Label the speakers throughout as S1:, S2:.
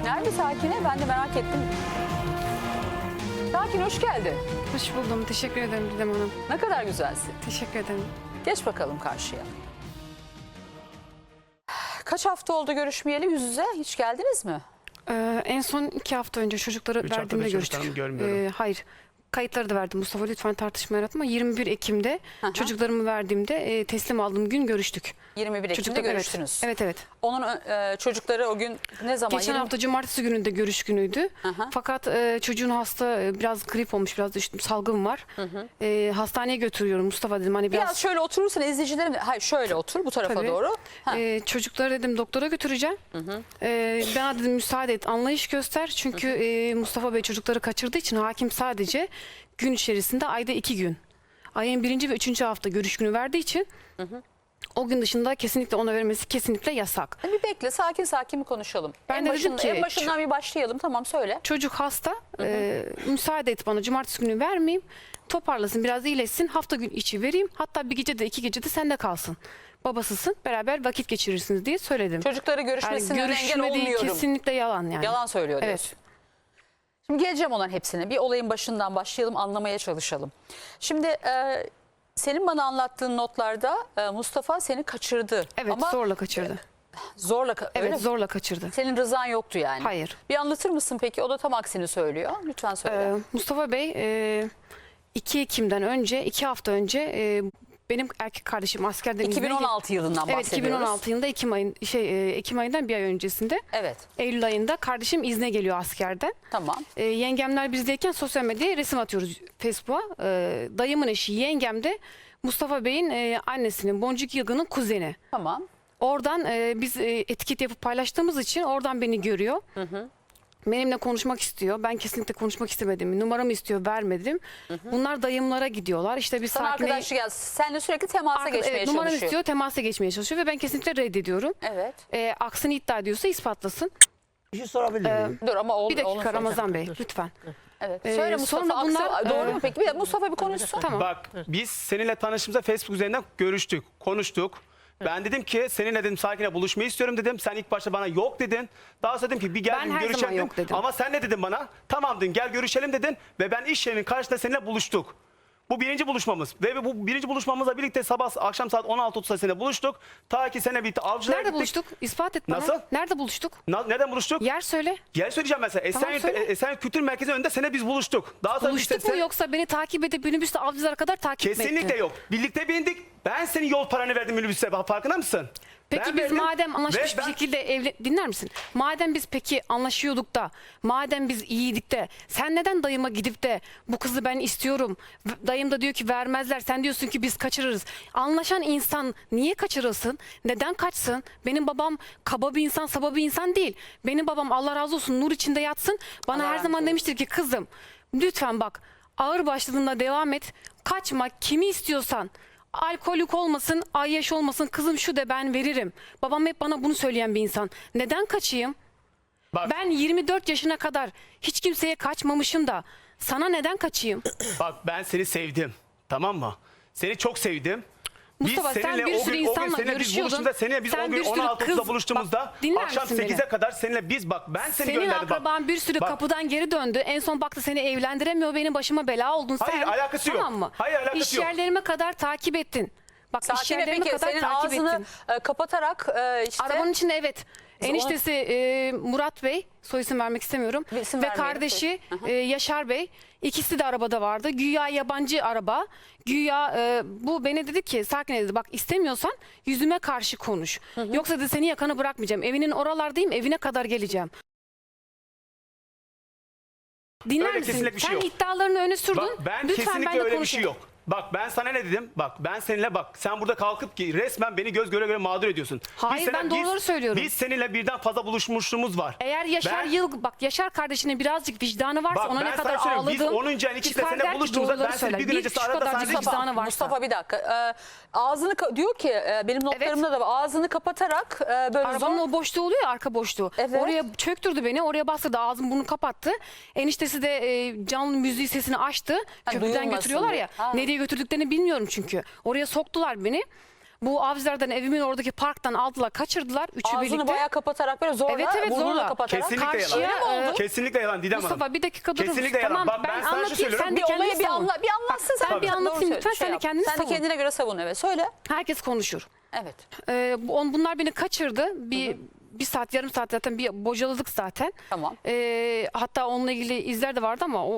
S1: Nerede Sakine? Ben de merak ettim. Sakine hoş geldin.
S2: Hoş buldum. Teşekkür ederim Didem Hanım.
S1: Ne kadar güzelsin.
S2: Teşekkür ederim.
S1: Geç bakalım karşıya. Kaç hafta oldu görüşmeyeli yüz yüze? Hiç geldiniz mi?
S2: En son 2 hafta önce çocukları
S3: 3 haftadır
S2: verdiğimde görüştük.
S3: çocuklarımı görmüyorum.
S2: Hayır. Kayıtları da verdim. Mustafa lütfen tartışma yaratma. 21 Ekim'de çocuklarımı verdiğimde teslim aldığım gün görüştük.
S1: 21 Ekim'de
S2: Çocuklar,
S1: görüştünüz.
S2: Evet.
S1: Onun çocukları o gün ne zaman?
S2: Geçen hafta cumartesi gününde görüş günüydü. Fakat çocuğun hasta biraz grip olmuş, biraz da salgın var. Hastaneye götürüyorum Mustafa dedim. Hani
S1: Biraz şöyle oturursan izleyicilerim... Hayır şöyle otur bu tarafa
S2: Tabii.
S1: doğru.
S2: Çocukları dedim doktora götüreceğim. Bana dedim müsaade et, anlayış göster. Çünkü Mustafa Bey çocukları kaçırdığı için hakim sadece gün içerisinde ayda 2 gün. Ayın 1. ve 3. hafta görüş günü verdiği için o gün dışında kesinlikle ona vermesi kesinlikle yasak.
S1: Bir bekle sakin sakin bir konuşalım.
S2: Ben de dedim ki,
S1: en başından bir başlayalım, tamam söyle.
S2: Çocuk hasta, müsaade et bana cumartesi günü vermeyeyim. Toparlasın, biraz iyileşsin, hafta gün içi vereyim. Hatta bir gece de 2 gece de sende kalsın. Babasısın, beraber vakit geçirirsiniz diye söyledim.
S1: Çocukları görüşmesine engel olmuyorum.
S2: Kesinlikle yalan yani.
S1: Yalan söylüyor
S2: Evet.
S1: diyorsun. Şimdi geleceğim onların hepsine. Bir olayın başından başlayalım, anlamaya çalışalım. Şimdi senin bana anlattığın notlarda Mustafa seni kaçırdı.
S2: Evet,
S1: Ama
S2: zorla kaçırdı.
S1: zorla öyle
S2: Evet,
S1: mi?
S2: zorla kaçırdı.
S1: Senin rızan yoktu yani.
S2: Hayır.
S1: Bir anlatır mısın peki? O da tam aksini söylüyor. Lütfen söyle.
S2: Mustafa Bey 2 Ekim'den önce, 2 hafta önce benim erkek kardeşim askerden
S1: 2016 yılından
S2: Evet,
S1: bahsediyoruz.
S2: 2016 yılında Ekim ayından bir ay öncesinde.
S1: Evet.
S2: Eylül ayında kardeşim izne geliyor askerden.
S1: Tamam.
S2: Yengemler bizdeyken sosyal medyaya resim atıyoruz Facebook'a. Dayımın eşi yengem de Mustafa Bey'in annesinin Boncuk Yılgın'ın kuzeni.
S1: Tamam.
S2: Oradan biz etiket yapıp paylaştığımız için oradan beni görüyor. Benimle konuşmak istiyor. Ben kesinlikle konuşmak istemedim. Numaramı istiyor, vermedim. Bunlar dayımlara gidiyorlar. İşte bir
S1: Sana
S2: Sakine'yi...
S1: arkadaşlık geldi. Seninle sürekli temasa geçmeye
S2: numaramı
S1: çalışıyor.
S2: istiyor, temasa geçmeye çalışıyor ve ben kesinlikle reddediyorum.
S1: Evet.
S2: Aksini iddia ediyorsa ispatlasın.
S3: Bir şey sorabilir miyim?
S1: Dur ama
S2: Bir dakika
S1: söyleyeceğim.
S2: Ramazan Bey, lütfen.
S1: Evet. Söyle Mustafa.
S2: sonra bunlar,
S1: doğru mu peki? Bir de Mustafa bir konuşsun.
S2: Tamam.
S3: Bak biz seninle tanıştığımızda Facebook üzerinden görüştük, konuştuk. Ben dedim ki seninle dedim Sakine buluşmayı istiyorum dedim. Sen ilk başta bana yok dedin. Daha sonra dedim ki bir gel
S2: Ben
S3: dedim,
S2: her
S3: görüşelim
S2: zaman
S3: dedim.
S2: yok dedim.
S3: Ama sen ne dedin bana? Tamam dedin, gel görüşelim dedin. Ve ben iş yerinin karşısında seninle buluştuk. Bu birinci buluşmamız. Ve bu birinci buluşmamızla birlikte akşam saat 16.30'da seninle buluştuk. Ta ki seninle birlikte avcılara
S2: Nerede
S3: gittik.
S2: buluştuk? İspat et bana.
S3: Nasıl?
S2: Nerede buluştuk?
S3: Neden buluştuk?
S2: Yer söyle.
S3: Gel söyleyeceğim mesela.
S2: Tamam, söyle.
S3: Esenyurt Kültür Merkezi önünde seninle biz buluştuk. Daha sonra
S2: Buluştuk mu yoksa beni takip edip minibüste avcılara kadar takip mi ettin?
S3: Kesinlikle yok. Birlikte bindik. Ben senin yol paranı verdim minibüse. Farkında mısın?
S2: Peki
S3: Ben
S2: biz
S3: verdim
S2: madem anlaşmış
S3: ve
S2: bir
S3: ben-
S2: şekilde dinler misin? Madem biz peki anlaşıyorduk da, madem biz iyiydik de, sen neden dayıma gidip de bu kızı ben istiyorum, dayım da diyor ki vermezler, sen diyorsun ki biz kaçırırız. Anlaşan insan niye kaçırılsın? Neden kaçsın? Benim babam kaba bir insan, saba bir insan değil. Benim babam Allah razı olsun nur içinde yatsın. Bana
S1: Allah
S2: her
S1: razı
S2: zaman
S1: olsun.
S2: demiştir ki kızım lütfen bak ağır başladığında devam et. Kaçma, kimi istiyorsan. Alkolik olmasın, ayyaş olmasın, kızım şu de ben veririm. Babam hep bana bunu söyleyen bir insan. Neden kaçayım?
S3: Bak,
S2: Ben 24 yaşına kadar hiç kimseye kaçmamışım da sana neden kaçayım?
S3: bak ben seni sevdim. Tamam mı? Seni çok sevdim.
S2: Mustafa, sen bir sürü insanla görüşüyordun.
S3: Seninle biz
S2: Sen
S3: o
S2: bir
S3: gün
S2: sürü
S3: 16.30'da
S2: kız-
S3: buluştuğumuzda
S2: Bak, dinler
S3: akşam
S2: misin beni?
S3: 8'e kadar seninle biz bak ben seni
S2: Senin
S3: gönderdim.
S2: akraban bir sürü
S3: Bak,
S2: kapıdan geri döndü. En son baktı seni evlendiremiyor, benim başıma bela oldun sen.
S3: Hayır, alakası yok.
S2: Tamam mı?
S3: Hayır, alakası
S2: İş
S3: yok.
S2: yerlerime kadar takip ettin. Bak iş
S1: Sakine
S2: yerlerime
S1: peki
S2: kadar
S1: senin
S2: takip
S1: ağzını
S2: ettin.
S1: kapatarak işte...
S2: Arabanın içinde evet. Eniştesi Murat Bey, soy isim vermek istemiyorum.
S1: Bir isim
S2: ve
S1: vermeyelim.
S2: kardeşi Yaşar Bey, ikisi de arabada vardı. Güya yabancı araba. Güya bu beni dedi ki Sakine dedi bak istemiyorsan yüzüme karşı konuş. Yoksa dedi seni yakanı bırakmayacağım. Evinin oralardayım, evine kadar geleceğim. Dinler
S3: Öyle
S2: misin?
S3: kesinlikle bir şey
S2: Sen
S3: yok.
S2: iddialarını öne sürdün.
S3: Bak ben
S2: Lütfen
S3: kesinlikle
S2: ben de
S3: öyle bir
S2: konuşayım.
S3: şey yok. Bak ben sana ne dedim? Bak ben seninle bak sen burada kalkıp ki resmen beni göz göre göre mağdur ediyorsun.
S2: Hayır, ben doğruları söylüyorum.
S3: Biz seninle birden fazla buluşmuşluğumuz var.
S2: Eğer Yaşar bak Yaşar kardeşinin birazcık vicdanı varsa
S3: Bak,
S2: ona
S3: ben
S2: ne
S3: sana
S2: kadar
S3: söylüyorum, biz
S2: ağladım.
S3: 10. ayın ikisinde
S2: çıkar
S3: seninle
S2: der ki
S3: buluştuğumuzda
S2: doğruları
S3: ben seni
S2: söyler.
S3: bir gün önce
S2: şu
S3: arada
S2: kadarcık
S3: sana dedim.
S2: vicdanı varsa.
S1: Mustafa bir dakika. Ağzını diyor ki benim notlarımda da var. Ağzını kapatarak böyle
S2: Arabanın o boşluğu oluyor ya, arka boşluğu.
S1: Evet.
S2: Oraya çöktürdü beni. Oraya bastırdı. Ağzım bunu kapattı. Eniştesi de canlı müziği sesini açtı. Köprüden
S1: duyulmasın
S2: götürüyorlar
S1: diye.
S2: ya.
S1: Ha.
S2: Nereye götürdüklerini bilmiyorum çünkü. Oraya soktular beni. Bu Avcılar'dan evimin oradaki parktan aldılar, kaçırdılar. Üçü
S1: Ağzını
S2: birlikte.
S1: bayağı kapatarak böyle zorla,
S2: Evet,
S1: burnunu
S2: zorla.
S1: kapatarak.
S3: Kesinlikle
S2: Karşıya,
S3: yalan.
S2: e,
S3: Kesinlikle yalan Didem Hanım.
S2: Mustafa bir dakika durur musun?
S3: Kesinlikle yalan.
S2: Tamam,
S3: Bak, ben sana şu
S2: anlatayım,
S3: söylüyorum.
S2: sen
S1: Bir
S2: de kendini
S1: olayı bir
S2: savun.
S1: anlatsın sen.
S2: Ben bir
S1: Doğru
S2: anlatayım
S1: söyle,
S2: lütfen,
S1: şey
S2: sen de
S1: yap.
S2: kendini
S1: Sen de
S2: savun.
S1: kendine göre savun, evet. Söyle.
S2: Herkes konuşur.
S1: Evet.
S2: Bunlar beni kaçırdı. Bir saat, yarım saat zaten bir bocaladık zaten.
S1: Tamam.
S2: Hatta onunla ilgili izler de vardı ama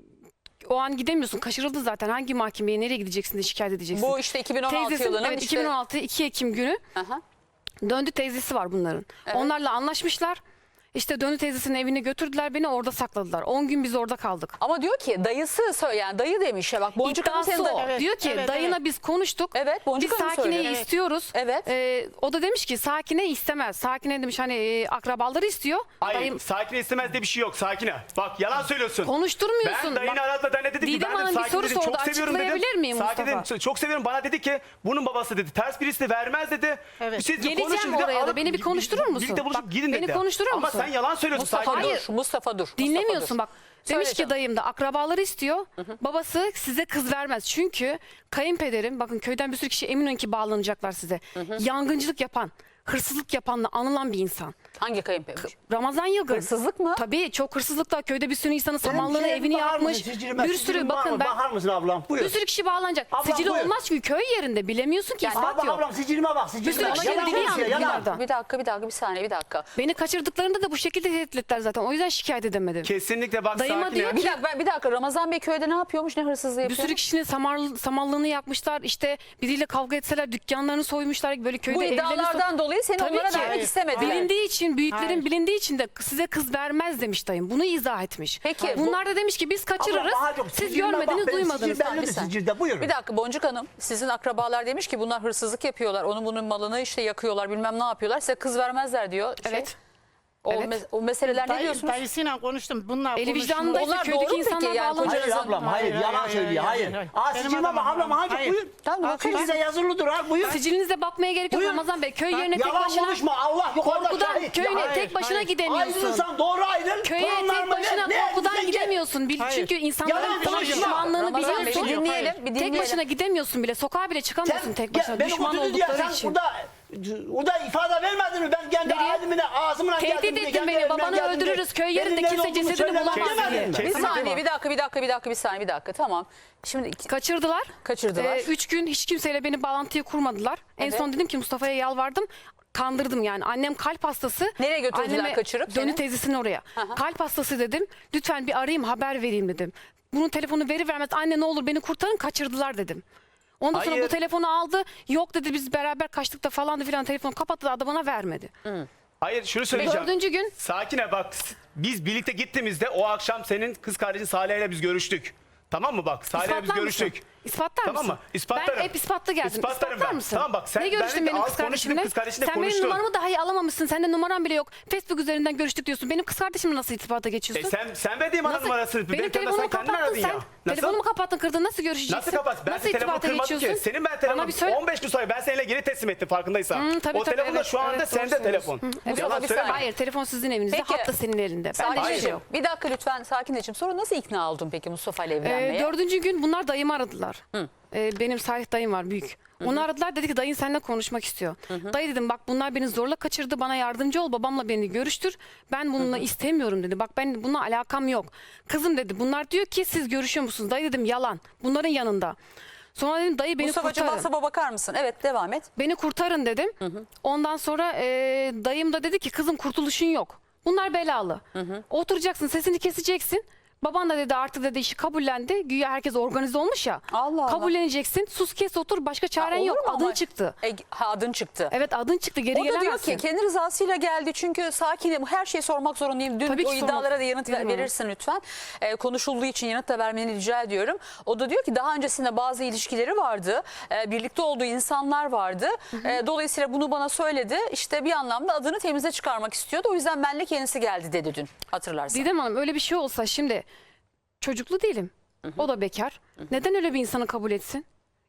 S2: o an gidemiyorsun. Kaçırıldı zaten. Hangi mahkemeye, nereye gideceksin de şikayet edeceksin?
S1: Bu işte 2016
S2: Teyzesi,
S1: yılının
S2: evet,
S1: işte.
S2: 2016 2 Ekim günü
S1: Aha.
S2: döndü teyzesi var bunların. Onlarla anlaşmışlar. İşte döndü teyzesinin evine götürdüler, beni orada sakladılar. 10 gün biz orada kaldık.
S1: Ama diyor ki dayısı söyle, yani dayı demiş ya, bak Boncuk Hanım
S2: İddiası
S1: senin
S2: o.
S1: de.
S4: Evet,
S2: Diyor ki
S4: evet,
S2: dayına biz konuştuk.
S1: Evet, Boncuk
S2: Biz
S1: Hanım
S2: Sakine'yi
S1: söylüyor.
S2: istiyoruz.
S1: Evet.
S2: O da demiş ki Sakine istemez. Sakine demiş hani akrabaları istiyor.
S3: Hayır,
S2: Dayım
S3: Sakine istemez diye bir şey yok. Sakine. Bak, yalan söylüyorsun.
S2: konuşturmuyorsun.
S3: Ben dayını
S2: Bak,
S3: aradı da ne dedim ki,
S2: Didem
S3: ben
S2: Hanım
S3: de
S2: bir
S3: Sakine
S2: soru
S3: dedim,
S2: sordu.
S3: çok seviyorum dedim.
S2: Açıklayabilir miyim
S3: Sakine
S2: Mustafa?
S3: dedim, çok seviyorum, bana dedi ki bunun babası dedi ters birisi vermez dedi.
S4: Evet.
S3: Siz de
S2: Geleceğim
S3: konuşun dedi,
S2: oraya da.
S3: alıp
S2: Beni bir konuşturur musun?
S3: Birlikte buluşup
S2: Bak,
S3: gidin
S2: beni
S3: dedi.
S2: konuşturur
S3: Ama
S2: musun?
S3: sen yalan söylüyorsun
S1: Mustafa
S3: Sakine.
S1: dur, Mustafa dur.
S2: Dinlemiyorsun
S1: Mustafa dur.
S2: bak.
S1: Söyle
S2: Demiş ki
S1: canım.
S2: dayım da akrabaları istiyor. Babası size kız vermez. Çünkü kayınpederim, bakın köyden bir sürü kişi emin ki bağlanacaklar size. Yangıncılık yapan, hırsızlık yapanla anılan bir insan.
S1: Hangi kayınpeder?
S2: Ramazan Yılgın.
S1: Hırsızlık mı?
S2: Tabii çok hırsızlıkla köyde bir sürü insanın
S5: Benim
S2: samanlığını,
S5: şeye
S2: evini
S5: bakar
S2: yakmış.
S5: mısın? Sicilime,
S2: Bir
S5: sicilim
S2: sürü
S5: var
S2: bakın
S5: mı?
S2: ben
S5: Bakar mısın ablam? Buyur.
S2: bir sürü kişi bağlanacak.
S5: Ablam,
S2: Sicili
S5: buyur.
S2: olmaz çünkü köy yerinde bilemiyorsun ki ispat
S5: Ablam,
S2: yok.
S5: ablam sicilime bak.
S2: Bir
S5: Sicilime
S2: sürü
S5: bak.
S2: kişi
S5: Yalan
S2: dili
S5: konuşuyor,
S2: yandı
S5: yalan.
S2: bunlardan.
S1: Bir saniye bir dakika.
S2: Beni kaçırdıklarında da bu şekilde tehdit ettiler zaten. O yüzden şikayet edemedim.
S3: Kesinlikle bak
S2: Dayıma
S3: Sakine.
S2: diyor
S1: Bir dakika Ramazan Bey köyde ne yapıyormuş, ne hırsızlığı
S2: Bir
S1: yapıyormuş?
S2: sürü kişinin samallığını yakmışlar. İşte biriyle kavga etseler dükkanlarını soymuşlar. Böyle köyde
S1: Bu
S2: evlerini
S1: iddialardan dolayı seni
S2: Tabii
S1: onlara
S2: ki.
S1: vermek istemediler.
S2: Bilindiği için, büyüklerin
S4: Hayır.
S2: bilindiği için de size kız vermez demiş dayım. Bunu izah etmiş.
S1: Peki,
S2: Bunlar da demiş ki biz kaçırırız.
S5: Ablam, daha çok
S2: Siz
S5: sicilime bak,
S2: görmediniz,
S5: benim
S2: duymadınız.
S5: sicil bellidir
S1: Bir saniye.
S5: sicilde. Buyurun.
S1: Bir dakika Boncuk Hanım, sizin akrabalar demiş ki bunlar hırsızlık yapıyorlar. Onun bunun malını işte yakıyorlar, bilmem ne yapıyorlar. Size kız vermezler diyor.
S2: Evet.
S1: O,
S2: Evet.
S1: o meseleler ne diyorsunuz?
S4: Dayısıyla konuştum. Bunlar
S2: Eli
S4: konuşmuyor.
S2: vicdanında işte
S1: Onlar
S2: köydeki
S1: doğru mu peki?
S2: insanlar
S1: Yani
S2: bağlanacak.
S5: Hayır ablam, hayır. Yalan söylüyor, hayır. Aa,
S4: Benim
S5: sicilime bak
S4: adamım,
S5: ablam, hadi
S4: hayır.
S5: buyur.
S1: Tamam, bakarız.
S5: Sicilde yazılıdır ha, buyur.
S2: Sicilinize bakmaya gerek yok
S5: Buyur.
S2: Ramazan Bey. Köy yerine tek
S5: Yalan
S2: başına
S5: konuşma, Allah yukarıda
S2: korkudan
S5: şahit.
S2: köyüne
S5: Ya,
S2: tek başına
S4: hayır.
S2: gidemiyorsun.
S5: ayrılırsan doğru ayrıl.
S2: Köye
S5: Torunlar
S2: tek
S5: mı
S2: başına
S5: ne?
S2: korkudan
S5: Sen git.
S2: gidemiyorsun.
S4: Hayır.
S2: Çünkü insanların
S5: Yalan
S2: sana
S5: konuşma.
S2: düşmanlığını
S1: Ramazan Bey
S2: biliyorsun.
S1: bir dinleyelim. Bir
S2: Tek
S1: dinleyelim.
S2: başına gidemiyorsun bile. Sokağa bile çıkamıyorsun
S5: Sen
S2: tek başına.
S5: beni
S2: Düşman
S5: götürdün diye
S2: oldukları
S5: sen
S2: için.
S5: burada ifade vermedin mi? Ben kendi
S2: Nereye?
S5: halimle ağzımla
S2: Tehdit
S5: geldim.
S2: ettin
S5: kendi
S2: beni,
S5: evimden
S2: babanı
S5: geldim diye.
S2: öldürürüz, köy yerinde
S5: Benim
S2: kimse
S5: nerede olduğumu
S2: cesedini
S5: söylemedin
S2: bulamaz
S5: mi?
S2: diye.
S1: Bir
S3: Kesinlikle.
S1: saniye, bir saniye, bir dakika. Tamam. Şimdi
S2: Kaçırdılar.
S1: Kaçırdılar.
S2: 3 gün hiç kimseyle beni bağlantıyı kurmadılar. En
S1: Evet.
S2: son dedim ki Mustafa'ya yalvardım. Kandırdım yani. Annem kalp hastası.
S1: Nereye götürdüler
S2: Anneme
S1: kaçırıp
S2: Dönü
S1: seni?
S2: teyzesinin oraya. Kalp hastası dedim. Lütfen bir arayayım, haber vereyim dedim. Bunun telefonu vermez. Anne ne olur beni kurtarın, kaçırdılar dedim. Ondan sonra
S3: Hayır.
S2: bu telefonu aldı. Yok dedi, biz beraber kaçtık da falan da filan, telefonu kapattı da bana vermedi.
S3: Hayır, şunu söyleyeceğim.
S2: 4. gün
S3: Sakine bak, biz birlikte gittiğimizde o akşam senin kız kardeşin Salih ile biz görüştük. Tamam mı bak? Salih ile biz
S2: İspatlar mısın?
S3: görüştük.
S2: İspatlar
S3: Tamam
S2: mısın?
S3: mı? İspatlarım.
S2: Ben hep ispatlı geldim.
S3: İspatlarım
S2: İspatlar
S3: ben.
S2: mısın?
S3: Tamam bak, sen
S2: ne görüştün
S3: benimle
S2: benim
S3: az
S2: kız
S3: konuştun,
S2: kardeşimle?
S3: kız kardeşinle
S2: Sen benim
S3: konuştun.
S2: numaramı dahi alamamışsın. Sende numaram bile yok. Facebook üzerinden görüştük diyorsun. Benim kız kardeşimle nasıl irtibata geçiyorsun?
S3: Sen verdiğin bana
S2: Nasıl?
S3: numarasını.
S2: Benim
S3: Sen
S2: telefonumu
S3: kendin
S2: kapattın
S3: aradın
S2: sen.
S3: ya. Nasıl?
S2: Telefonumu kapattın, kırdın. Nasıl görüşeceksin?
S3: Nasıl kapat? Ben
S2: Nasıl
S3: de telefonu
S2: irtibata
S3: kırmadım ki.
S2: geçiyorsun?
S3: Senin ben
S2: Bana
S3: telefonum
S2: bir söyle.
S3: 15 gün sonra ben seninle geri teslim ettim farkındaysan.
S2: Tabii,
S3: O
S2: tabii,
S3: telefon da
S2: evet,
S3: şu anda
S2: evet,
S3: sende
S2: doğru
S3: telefon.
S2: söylüyorsun.
S3: Yalan
S1: bir
S3: söyleme.
S1: saniye.
S2: Hayır, telefon sizin evinizde.
S1: Peki.
S2: Hat da senin elinde. Ben de hiçbir
S1: Sakinleşin.
S2: şey yok.
S1: Bir dakika lütfen sakinleşin. Sonra nasıl ikna oldun peki Mustafa ile evlenmeye?
S2: 4. gün bunlar dayımı aradılar. Benim Salih dayım var, büyük. Onu aradılar, dedi ki dayın seninle konuşmak istiyor. Dayı dedim bak bunlar beni zorla kaçırdı, bana yardımcı ol, babamla beni görüştür. Ben bununla istemiyorum dedi. Bak ben bununla alakam yok. Kızım dedi bunlar diyor ki siz görüşüyor musunuz? Dayı dedim yalan. Bunların yanında. Sonra dedim dayı beni
S1: Mustafa'cığım
S2: kurtarın.
S1: WhatsApp'a bakar mısın? Evet, devam et.
S2: Beni kurtarın dedim. Ondan sonra dayım da dedi ki kızım kurtuluşun yok. Bunlar belalı. Oturacaksın, sesini keseceksin. Baban da dedi artık dedi işi kabullendi. Güya herkes organize olmuş ya.
S1: Allah Allah.
S2: Kabulleneceksin. Sus kes otur, başka çaren
S1: Olur
S2: yok.
S1: mu
S2: Adın
S1: ama?
S2: çıktı.
S1: Adın çıktı.
S2: Evet adın çıktı, geri
S1: O da diyor
S2: gelemezsin.
S1: ki kendi rızasıyla geldi çünkü sakinim, her şeyi sormak zorundayım. Dün
S2: Tabii ki
S1: o iddialara
S2: sormak-
S1: da yanıt
S2: Dedim ama.
S1: verirsin lütfen. Konuşulduğu için yanıt da vermeni rica ediyorum. O da diyor ki daha öncesinde bazı ilişkileri vardı. Birlikte olduğu insanlar vardı. Dolayısıyla bunu bana söyledi. İşte bir anlamda adını temize çıkarmak istiyordu. O yüzden benle kendisi geldi dedi dün, hatırlarsan.
S2: Didem Hanım öyle bir şey olsa şimdi çocuklu değilim. O da bekar. Neden öyle bir insanı kabul etsin?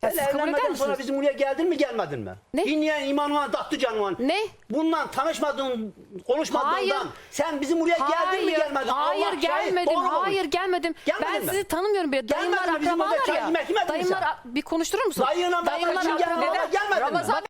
S2: Ya
S5: Sen
S2: siz kabul eder
S5: evlenmeden sonra
S2: misiniz?
S5: bizim buraya geldin mi gelmedin mi?
S2: Ne?
S5: Dinleyen imanına tattı canına.
S2: Ne?
S5: Bundan tanışmadığın, konuşmadığından
S2: Hayır.
S5: sen bizim buraya geldin mi gelmedin?
S2: Hayır
S5: Allah şahit,
S2: gelmedim.
S5: doğru konuş.
S2: Hayır gelmedim.
S5: Gelmedin
S2: Ben
S5: mi?
S2: sizi tanımıyorum bile. Dayımlar
S5: Gelmedin mi? Bizim burada
S2: akrabalar
S5: çay
S2: ya.
S5: yemek yemedin mi
S2: Dayımlar
S5: sen?
S2: bir konuşturur musun?
S5: Dayına
S2: Dayımlar
S5: babacığım gelmedin
S2: akrabalar.
S5: mi? Gelmedin mi?
S1: Ramazan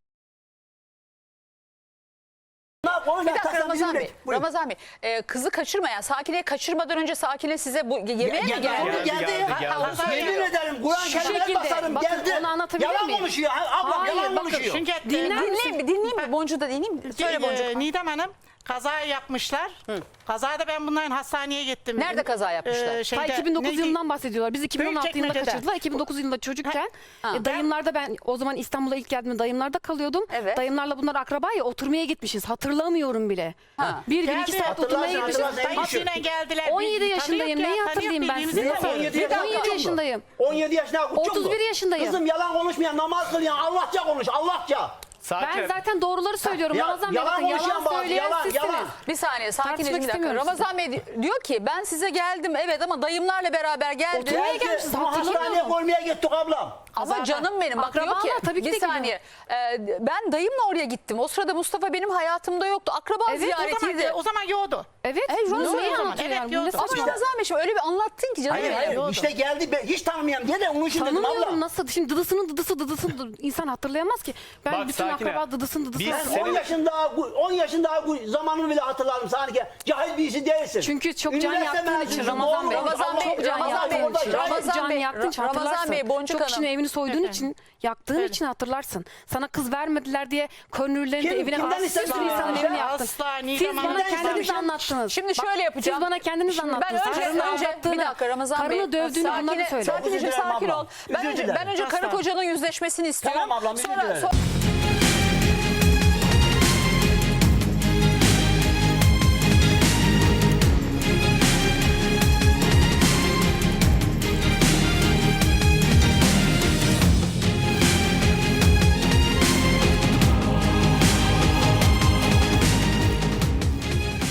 S5: Ne
S1: Bir dakika Ramazan Bey.
S5: Buyurun.
S1: Ramazan Bey. Kızı kaçırmayan, Sakine'yi kaçırmadan önce Sakine size bu yemeğe mi geldi?
S5: Yemin ederim Kur'an-ı
S2: Şu
S5: Kerim'e
S2: şekilde,
S5: basarım
S2: bakın
S5: geldi.
S2: onu anlatabilir
S5: Yalan
S2: miyim?
S5: konuşuyor. Ablam
S2: Hayır,
S5: yalan
S2: bakın,
S5: konuşuyor.
S4: Çünkü
S1: Dinleyeyim mi? Boncuğu da dinleyeyim mi? Söyle Boncuk.
S4: Nidem Hanım kaza yapmışlar. Kazada ben bunların hastaneye gittim.
S1: Nerede kaza yapmışlar?
S2: Ta 2009 yılından bahsediyorlar. Biz 2016 yılında
S4: Büyükçekmece'de.
S2: kaçırdılar. 2009 yılında çocukken dayımlarda ben o zaman İstanbul'a ilk geldiğimde dayımlarda kalıyordum.
S1: Evet.
S2: Dayımlarla bunlar akraba ya oturmaya gitmişiz. Hatırlamıyorum bile. Bir gün 2 saat oturmaya
S5: Hatırlarsın,
S2: gitmişiz.
S5: hatırlarsın.
S4: Dayısıyla geldiler.
S2: 17 yaşındayım. Neyi hatırlayayım ben size?
S5: Nasıl 17 yaşında?
S2: 17 yaşındayım.
S5: 17 yaşında kuçum
S2: 31 yaşındayım.
S5: Kızım yalan konuşmayan, namaz kılyan, Allahça konuş, Allahça.
S2: Ben zaten doğruları söylüyorum.
S5: Ya-
S2: Ramazan Bey
S5: yalan
S2: bakın
S5: konuşan
S2: yalan
S5: bazı,
S2: söyleyen
S5: yalan,
S2: sizsiniz.
S5: yalan.
S1: Bir saniye
S2: Tartışmak
S1: sakinleşin bir dakika.
S2: istemiyorum
S1: Ramazan Bey diyor ki ben size geldim evet ama dayımlarla beraber geldim.
S2: Oturmaya gelmişiz,
S5: Ama
S2: hatırlamıyor
S5: hastaneye
S2: musun?
S5: koymaya gittik ablam.
S1: Ama
S2: Zaten
S1: canım benim bak diyor ki
S2: akrabalar tabii ki de
S1: bir saniye ben dayımla oraya gittim. O sırada Mustafa benim hayatımda yoktu. Akraba
S2: Evet,
S1: ziyaretiydi.
S4: O zaman yoğdu.
S2: Evet.
S1: Şunu
S2: Neyi
S1: söylüyorum.
S2: anlatıyor
S4: Evet,
S2: yani? Bu
S4: yolda.
S2: ne
S1: Ama
S2: saçma?
S1: Ramazan Bey şimdi öyle bir anlattın ki canım.
S5: Hayır,
S1: benim.
S5: hayır. İşte geldi ben hiç tanımayan diye de onun için dedim
S2: Tanımıyorum
S5: abla.
S2: nasıl? Şimdi dıdısının insan hatırlayamaz ki. Ben
S3: Bak,
S2: bütün
S3: Sakine,
S2: akraba dıdısının
S3: biz
S2: hatırlamıyorum.
S3: senin-
S5: 10 yaşında zamanını bile hatırlarım sanki. Cahil birisi değilsin.
S2: Çünkü çok can
S5: Üniversite
S2: yaktığın için
S5: mezunusun,
S2: Ramazan
S5: doğru
S2: Bey.
S5: konuş,
S1: Ramazan
S5: Allah
S1: Bey,
S5: bilir.
S2: Can
S1: Ramazan
S2: yaktığın
S1: Bey,
S2: için.
S5: Orada
S1: Ramazan
S2: Can
S1: Bey,
S2: yaktığın için
S1: Ramazan
S2: hatırlarsın.
S1: Bey, Boncuk
S2: Çok kişinin
S1: Hanım.
S2: evini soyduğun için, yaktığın için hatırlarsın. Sana kız vermediler diye körnürlerin de
S5: Kim-
S2: evine
S5: kimden
S2: bir sürü
S5: istemişsin
S2: insanın
S5: ya?
S2: evini yaktın.
S4: Asla
S2: Siz
S4: Nidem
S2: bana
S4: Hanım.
S2: kendiniz
S5: istemişim.
S2: anlattınız.
S1: Şimdi şöyle yapacağım.
S2: Siz bana kendiniz
S1: Şimdi
S2: anlattınız.
S1: Ben
S2: Karını
S1: önce
S2: aldattığını,
S1: bir dakika Ramazan Bey.
S2: karını dövdüğünü bunları söyle.
S1: Sakineciğim
S5: Özür dilerim
S1: sakin ol.
S5: ablam.
S1: Ben
S5: Özür
S1: önce
S5: dilerim.
S1: karı
S4: Asla.
S1: kocanın yüzleşmesini istiyorum.
S5: Tamam ablam, özür
S1: Sonra-
S5: dilerim.